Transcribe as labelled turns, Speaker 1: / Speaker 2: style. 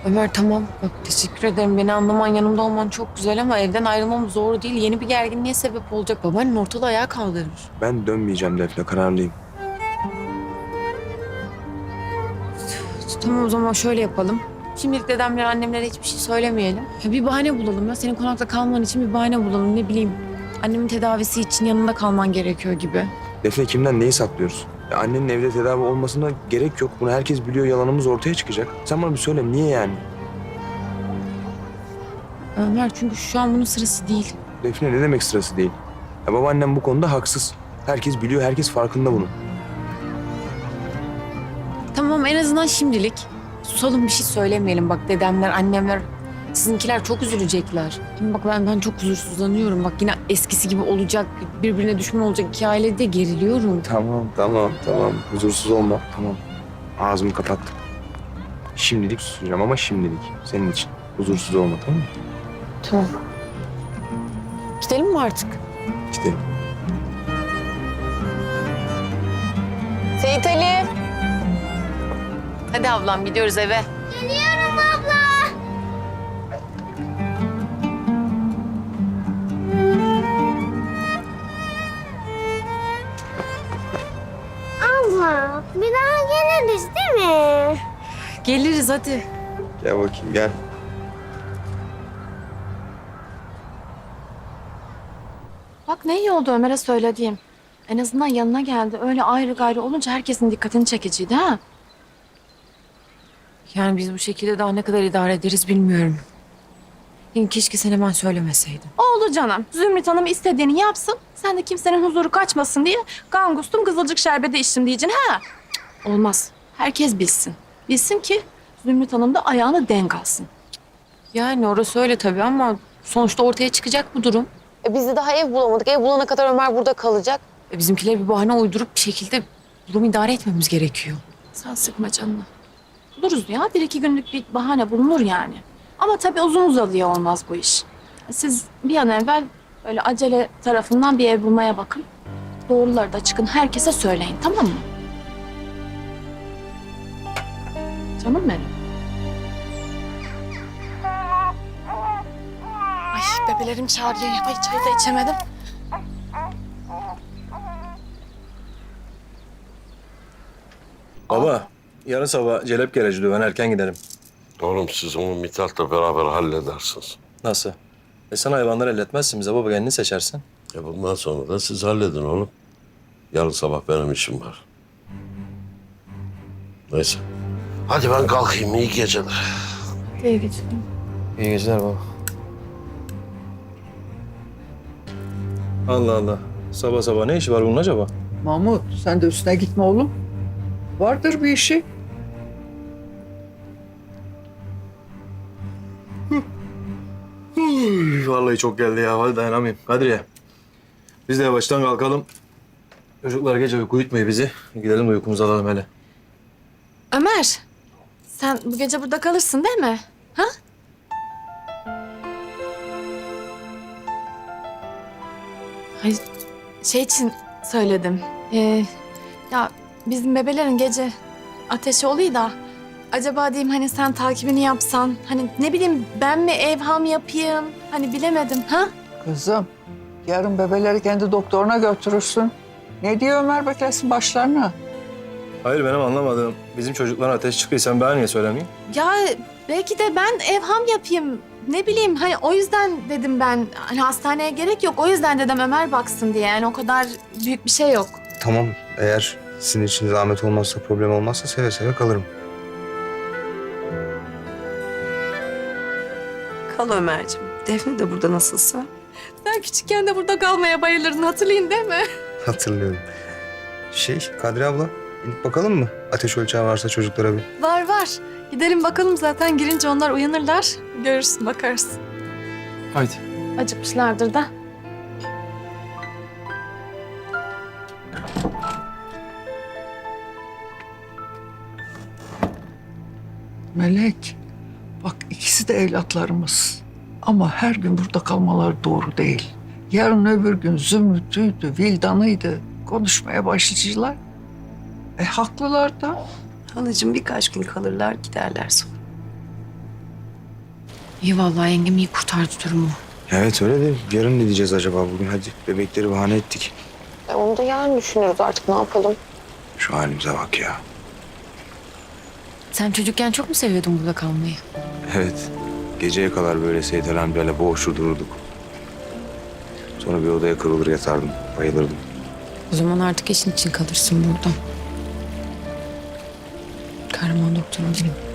Speaker 1: Ömer tamam. Bak teşekkür ederim. Beni anlaman, yanımda olman çok güzel ama evden ayrılmam zor değil. Yeni bir gerginliğe sebep olacak. Babaannen ortalığı ayağa kaldırır.
Speaker 2: Ben dönmeyeceğim Defne, kararlıyım.
Speaker 1: Tamam o zaman şöyle yapalım. Şimdilik dedemlere, annemlere hiçbir şey söylemeyelim. Ya bir bahane bulalım ya. Senin konakta kalman için bir bahane bulalım. Ne bileyim. Annemin tedavisi için yanında kalman gerekiyor gibi.
Speaker 2: Defne, kimden neyi saklıyoruz? Ya annenin evde tedavi olmasına gerek yok. Bunu herkes biliyor, yalanımız ortaya çıkacak. Sen bana bir söyle, niye yani?
Speaker 1: Ömer çünkü şu an bunun sırası değil.
Speaker 2: Defne, ne demek sırası değil? Ya babaannem bu konuda haksız. Herkes biliyor, herkes farkında bunun.
Speaker 1: Tamam en azından şimdilik. Susalım, bir şey söylemeyelim. Bak dedemler, annemler, sizinkiler çok üzülecekler. Hem bak ben çok huzursuzlanıyorum. Bak yine eskisi gibi olacak, birbirine düşman olacak iki ailede geriliyorum.
Speaker 2: Tamam. Huzursuz olma, tamam. Ağzımı kapattım. Şimdilik susacağım ama şimdilik. Senin için. Huzursuz olma, tamam mı?
Speaker 1: Tamam. Gidelim mi artık?
Speaker 2: Gidelim.
Speaker 1: Seyit Ali. Hadi ablam gidiyoruz eve.
Speaker 3: Geliyorum abla. Abla, bir daha geliriz değil mi?
Speaker 1: Geliriz hadi.
Speaker 2: Gel bakayım, gel.
Speaker 4: Bak ne iyi oldu Ömer'e söylediğim. En azından yanına geldi. Öyle ayrı gayrı olunca herkesin dikkatini çekiciydi ha.
Speaker 1: Yani biz bu şekilde daha ne kadar idare ederiz bilmiyorum. Yani keşke sen hemen söylemeseydin.
Speaker 4: Oldu canım. Zümrüt Hanım istediğini yapsın. Sen de kimsenin huzuru kaçmasın diye gangustum kızılcık şerbeti içtim diyeceksin ha. Cık, olmaz. Herkes bilsin. Bilsin ki Zümrüt Hanım da ayağını denk alsın.
Speaker 1: Yani orası öyle tabii ama sonuçta ortaya çıkacak bu durum. Biz de daha ev bulamadık. Ev bulana kadar Ömer burada kalacak. Bizimkiler bir bahane uydurup bir şekilde durumu idare etmemiz gerekiyor.
Speaker 4: Sen sıkma canını. Buluruz ya. Bir iki günlük bir bahane bulunur yani. Ama tabii uzun uzadıya olmaz bu iş. Siz bir an evvel öyle acele tarafından bir ev bulmaya bakın. Doğruları da çıkın herkese söyleyin, tamam mı? Canım benim. Ay bebelerim çağırıyor. Ay çay da içemedim.
Speaker 5: Baba, yarın sabah Celep Gereci diyor. Ben erken giderim.
Speaker 6: Oğlum siz onu Mithat'la beraber halledersiniz.
Speaker 5: Nasıl? Sen hayvanları elletmezsin bize baba. Kendini seçersin.
Speaker 6: Bundan sonra da siz halledin oğlum. Yarın sabah benim işim var. Neyse. Hadi ben kalkayım. İyi geceler.
Speaker 4: İyi geceler.
Speaker 5: İyi geceler baba. Allah Allah. Sabah sabah ne işi var bunun acaba?
Speaker 7: Mahmut sen de üstüne gitme oğlum. Vardır bir işi.
Speaker 5: Vallahi çok geldi ya. Hadi dayanamayayım. Kadriye. Biz de yavaştan kalkalım. Çocuklar gece uyku uyutmuyor bizi. Gidelim de uykumuzu alalım hele.
Speaker 4: Ömer, sen bu gece burada kalırsın değil mi? Ha? Hayır, şey için söyledim. Ya bizim bebelerin gece ateşi oluyor da... Acaba diyeyim hani sen takibini yapsan, hani ne bileyim ben mi evham yapayım? Hani bilemedim ha?
Speaker 7: Kızım yarın bebeleri kendi doktoruna götürürsün. Ne diyor Ömer beklesin başlarına?
Speaker 5: Hayır benim anlamadığım. Bizim çocukların ateş çıkıyor. Sen bana niye söylemeyeyim?
Speaker 4: Ya belki de ben evham yapayım. Ne bileyim hani o yüzden dedim ben. Hani hastaneye gerek yok. O yüzden dedim Ömer baksın diye. Yani o kadar büyük bir şey yok.
Speaker 2: Tamam, eğer sizin için zahmet olmazsa, problem olmazsa seve seve kalırım.
Speaker 8: Kal Ömerciğim. Defne de burada nasılsa.
Speaker 4: Sen küçükken de burada kalmaya bayılırdın hatırlayın değil mi?
Speaker 2: Hatırlıyorum. Kadri abla, inip bakalım mı? Ateş ölçeği varsa çocuklara bir.
Speaker 4: Var var. Gidelim bakalım zaten girince onlar uyanırlar. Görürsün bakarız.
Speaker 5: Haydi.
Speaker 4: Acıkmışlardır da.
Speaker 7: Melek bak ikisi de evlatlarımız. Ama her gün burada kalmaları doğru değil. Yarın öbür gün Zümrüt'üydü, Vildan'ıydı. Konuşmaya başlayacaklar. Haklılar da.
Speaker 8: Halacığım birkaç gün kalırlar giderler sonra.
Speaker 1: İyi vallahi yengem iyi kurtardı durumu.
Speaker 2: Evet öyle de yarın ne diyeceğiz acaba bugün? Hadi bebekleri bahane ettik.
Speaker 1: Onu da yarın düşünürüz artık ne yapalım.
Speaker 2: Şu halimize bak ya.
Speaker 1: Sen çocukken çok mu seviyordun burada kalmayı?
Speaker 2: Evet. Geceye kadar böyle Seyit Ali amcayla boğuşur dururduk. Sonra bir odaya kırılır yatardım. Bayılırdım.
Speaker 1: O zaman artık işin için kalırsın burada. Kahraman doktor olayım.